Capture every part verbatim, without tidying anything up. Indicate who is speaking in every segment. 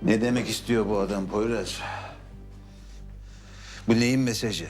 Speaker 1: Ne demek istiyor bu adam Poyraz? Bu neyin mesajı?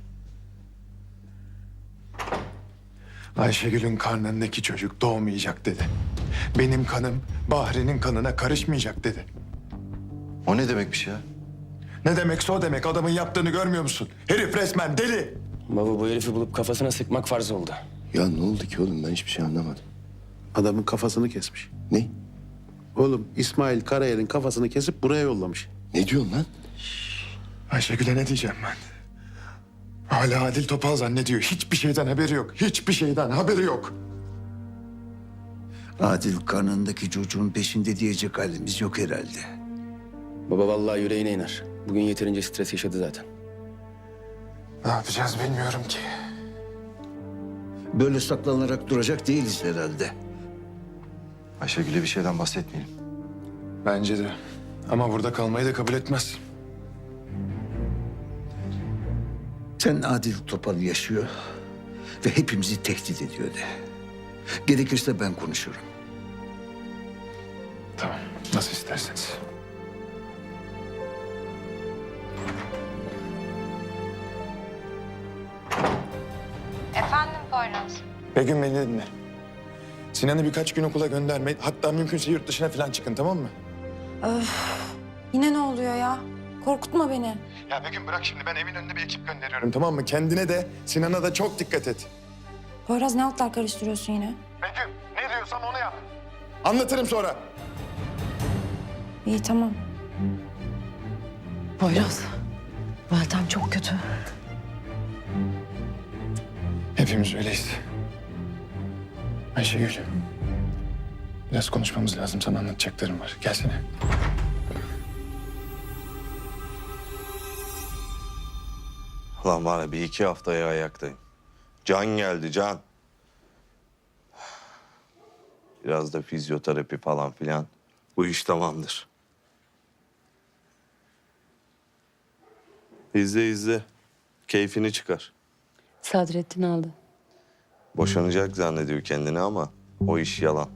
Speaker 2: Ayşegül'ün karnındaki çocuk doğmayacak dedi. Benim kanım Bahri'nin kanına karışmayacak dedi.
Speaker 3: O ne demekmiş ya?
Speaker 2: Ne demekse o demek. Adamın yaptığını görmüyor musun? Herif resmen deli.
Speaker 4: Baba bu herifi bulup kafasına sıkmak farz oldu.
Speaker 3: Ya ne oldu ki oğlum? Ben hiçbir şey anlamadım.
Speaker 5: Adamın kafasını kesmiş.
Speaker 3: Ne?
Speaker 5: Oğlum İsmail Karayel'in kafasını kesip buraya yollamış.
Speaker 3: Ne diyorsun lan?
Speaker 2: Ayşegül'e ne diyeceğim ben? Hala Adil Topal zannediyor. Hiçbir şeyden haberi yok. Hiçbir şeyden haberi yok.
Speaker 1: Adil karnındaki çocuğun peşinde diyecek halimiz yok herhalde.
Speaker 4: Baba vallahi yüreğine iner. Bugün yeterince stres yaşadı zaten.
Speaker 2: Ne yapacağız bilmiyorum ki.
Speaker 1: Böyle saklanarak duracak değiliz herhalde.
Speaker 3: Ayşegül'e bir şeyden bahsetmeyelim.
Speaker 2: Bence de. Ama burada kalmayı da kabul etmez.
Speaker 1: Sen Adil Topal yaşıyor ve hepimizi tehdit ediyor de. Gerekirse ben konuşurum.
Speaker 2: Tamam. Nasıl isterseniz.
Speaker 6: Efendim Poyraz.
Speaker 2: Begüm beni dinle. Sinan'ı birkaç gün okula gönderme. Hatta mümkünse yurt dışına falan çıkın, tamam mı?
Speaker 6: Yine ne oluyor ya? Korkutma beni.
Speaker 2: Ya Begüm bırak şimdi. Ben evin önünde bir ekip gönderiyorum, tamam mı? Kendine de Sinan'a da çok dikkat et.
Speaker 6: Poyraz ne altlar karıştırıyorsun yine?
Speaker 2: Begüm ne diyorsam onu yap. Anlatırım sonra.
Speaker 6: İyi tamam.
Speaker 7: Poyraz, Meltem çok kötü.
Speaker 2: Hepimiz öyleyiz. Ayşegül. Biraz konuşmamız lazım. Sana anlatacaklarım var. Gelsene.
Speaker 8: Lan var ya bir iki haftaya ayaktayım. Can geldi can. Biraz da fizyoterapi falan filan. Bu iş tamamdır. İzle izle. Keyfini çıkar.
Speaker 7: Sadrettin aldı.
Speaker 8: Boşanacak zannediyor kendini ama o iş yalan.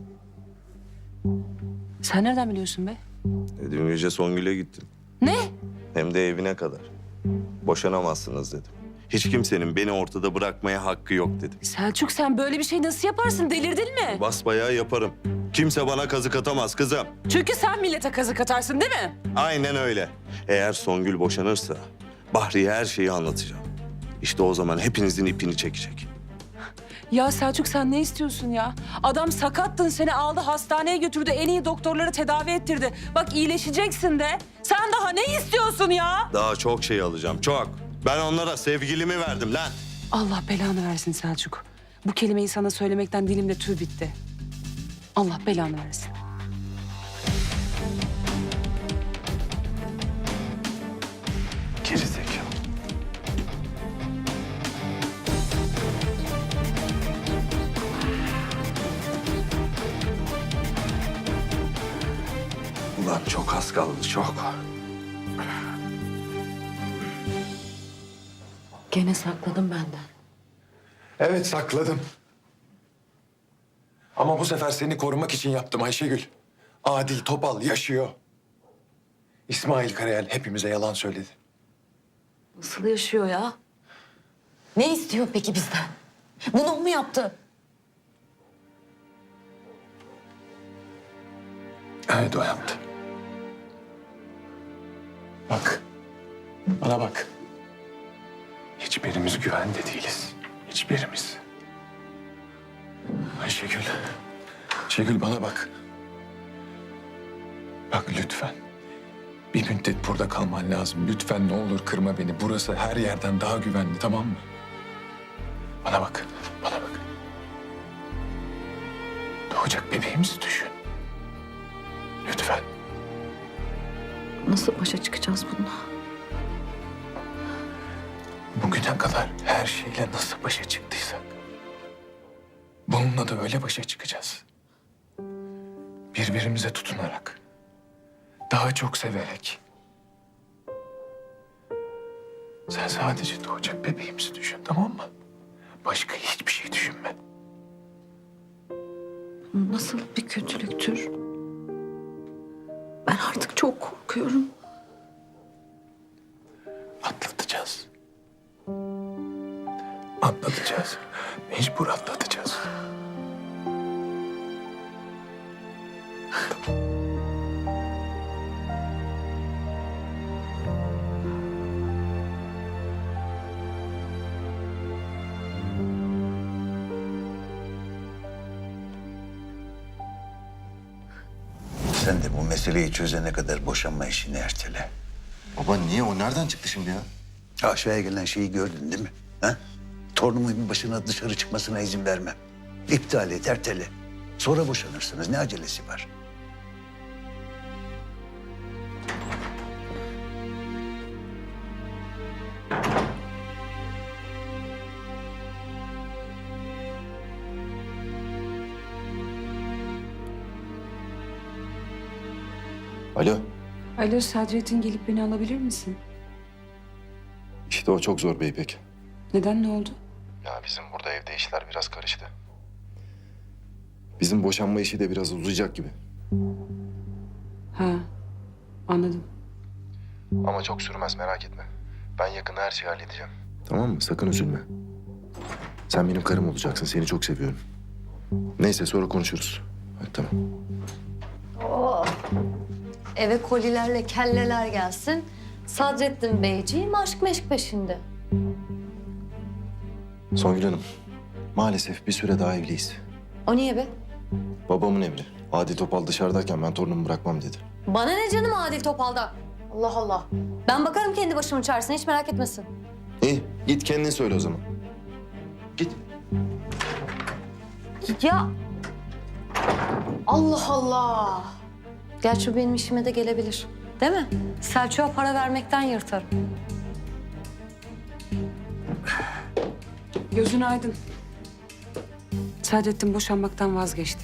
Speaker 7: Sen nereden biliyorsun be?
Speaker 8: E, dün gece Songül'e gittim.
Speaker 7: Ne?
Speaker 8: Hem de evine kadar. Boşanamazsınız dedim. Hiç kimsenin beni ortada bırakmaya hakkı yok dedim.
Speaker 7: Selçuk sen böyle bir şey nasıl yaparsın? Delirdin mi?
Speaker 8: Basbayağı yaparım. Kimse bana kazık atamaz kızım.
Speaker 7: Çünkü sen millete kazık atarsın değil mi?
Speaker 8: Aynen öyle. Eğer Songül boşanırsa Bahri'ye her şeyi anlatacağım. İşte o zaman hepinizin ipini çekecek.
Speaker 7: Ya Selçuk sen ne istiyorsun ya? Adam sakattın seni aldı hastaneye götürdü. En iyi doktorları tedavi ettirdi. Bak iyileşeceksin de. Sen daha ne istiyorsun ya?
Speaker 8: Daha çok şey alacağım, çok. Ben onlara sevgilimi verdim lan.
Speaker 7: Allah belanı versin Selçuk. Bu kelimeyi sana söylemekten dilimde tüy bitti. Allah belanı versin.
Speaker 2: Gerizekalı.
Speaker 1: Ulan çok az kaldı, çok.
Speaker 7: Gene sakladım benden.
Speaker 2: Evet sakladım. Ama bu sefer seni korumak için yaptım Ayşegül. Adil Topal yaşıyor. İsmail Karayel hepimize yalan söyledi.
Speaker 7: Nasıl yaşıyor ya? Ne istiyor peki bizden? Bunu mu yaptı?
Speaker 2: Evet o yaptı. Bak. Bana bak. Hiçbirimiz güvende değiliz. Hiçbirimiz. Ayşegül. Ayşegül bana bak. Bak lütfen. Bir müddet burada kalman lazım. Lütfen ne olur kırma beni. Burası her yerden daha güvenli, tamam mı? Bana bak. Bana bak. Doğacak bebeğimizi düşün. Lütfen.
Speaker 7: Nasıl başa çıkacağız bununla?
Speaker 2: Bugüne kadar her şeyle nasıl başa çıktıysak bununla da öyle başa çıkacağız. Birbirimize tutunarak, daha çok severek. Sen sadece doğacak bebeğimizi düşün, tamam mı? Başka hiçbir şey düşünme.
Speaker 7: Nasıl bir kötülüktür? Ben artık çok korkuyorum. Korkuyorum.
Speaker 2: Atlatacağız. Atlatacağız. Mecbur atlatacağız.
Speaker 1: Sen de bu meseleyi çözene kadar boşanma işini ertele.
Speaker 3: Baba niye? O nereden çıktı şimdi ya?
Speaker 1: Aşağıya gelen şeyi gördün değil mi? Ha? Torunumun başına dışarı çıkmasına izin vermem. İptal et, ertele. Sonra boşanırsınız. Ne acelesi var?
Speaker 3: Alo.
Speaker 7: Alo Sadrettin, gelip beni alabilir misin?
Speaker 3: İşte o çok zor be İpek.
Speaker 7: Neden, ne oldu?
Speaker 3: Ya bizim burada evde işler biraz karıştı. Bizim boşanma işi de biraz uzayacak gibi.
Speaker 7: Ha, anladım.
Speaker 3: Ama çok sürmez merak etme. Ben yakında her şeyi halledeceğim. Tamam mı? Sakın üzülme. Sen benim karım olacaksın. Seni çok seviyorum. Neyse sonra konuşuruz. Hadi tamam.
Speaker 9: Oh. Eve kolilerle kelleler gelsin. Sadrettin Beyciğim aşk meşk peşinde.
Speaker 3: Songül Hanım. Maalesef bir süre daha evliyiz.
Speaker 9: O niye be?
Speaker 3: Babamın emri. Adi Topal dışarıdayken ben torunumu bırakmam dedi.
Speaker 9: Bana ne canım Adil Topal'dan? Allah Allah. Ben bakarım kendi başımın çaresine, hiç merak etmesin.
Speaker 3: İyi git kendin söyle o zaman. Git.
Speaker 9: Ya. Allah Allah. Gerçi benim işime de gelebilir. Değil mi? Selçuk'a para vermekten yırtarım.
Speaker 7: Gözün aydın. Sadrettin boşanmaktan vazgeçti.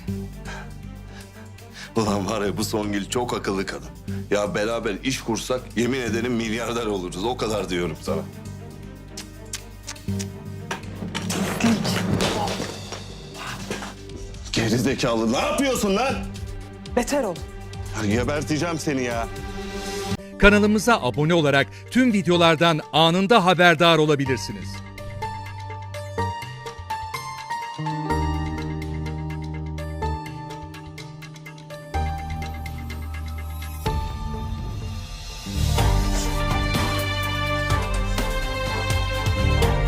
Speaker 8: Ulan var ya bu Songül çok akıllı kadın. Ya beraber iş kursak yemin ederim milyarder oluruz. O kadar diyorum sana. Gerizekalı ne yapıyorsun lan?
Speaker 7: Beter ol.
Speaker 8: Ya geberteceğim seni ya.
Speaker 10: Kanalımıza abone olarak tüm videolardan anında haberdar olabilirsiniz.